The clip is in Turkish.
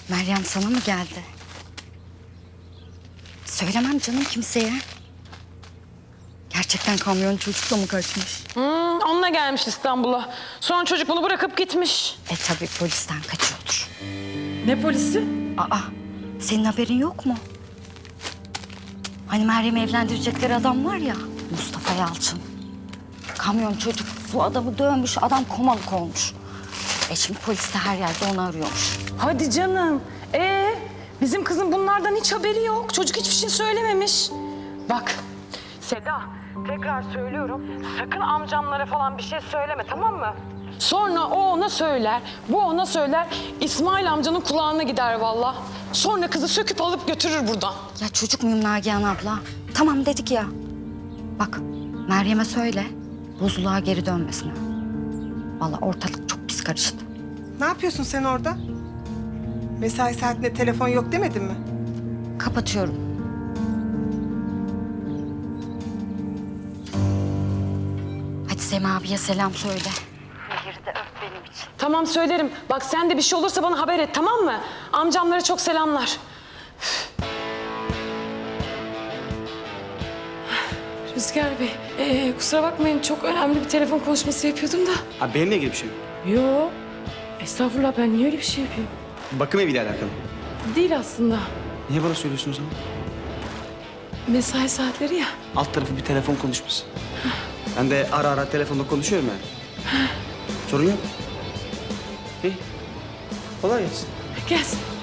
Meryem sana mı geldi? Söylemem canım kimseye. Gerçekten kamyon çocukla mı kaçmış? Onunla gelmiş İstanbul'a. Sonra çocuk bunu bırakıp gitmiş. Tabii polisten kaçıyordur. Ne polisi? Aa, senin haberin yok mu? Hani Meryem'i evlendirecekleri adam var ya, Mustafa Yalçın. Kamyon çocuk bu adamı dövmüş, adam komalık olmuş. Şimdi polis de her yerde onu arıyormuş. Hadi canım. Bizim kızın bunlardan hiç haberi yok. Çocuk hiçbir şey söylememiş. Bak Seda, tekrar söylüyorum. Sakın amcamlara falan bir şey söyleme, tamam mı? Sonra o ona söyler, bu ona söyler. İsmail amcanın kulağına gider vallahi. Sonra kızı söküp alıp götürür buradan. Ya çocuk muyum Nagihan abla? Tamam dedik ya. Bak Meryem'e söyle, buzluğa geri dönmesin. Vallahi ortalık çok pis karıştı. Ne yapıyorsun sen orada? Mesai saatinde telefon yok demedin mi? Kapatıyorum. Hadi Sema abiye selam söyle. Nehir'i de öp benim için. Tamam söylerim. Bak sen de bir şey olursa bana haber et, tamam mı? Amcamlara çok selamlar. Rüzgar Bey, kusura bakmayın çok önemli bir telefon konuşması yapıyordum da. Abi benimle ilgili bir şey mi? Yo, estağfurullah ben niye öyle bir şey yapıyorum? Bakım eviyle alakalı. Değil aslında. Niye bana söylüyorsunuz ama? Mesai saatleri ya. Alt tarafı bir telefon konuşması. Ben de ara ara telefonda konuşuyorum yani. Sorun yok. İyi. Kolay gelsin. Gelsin.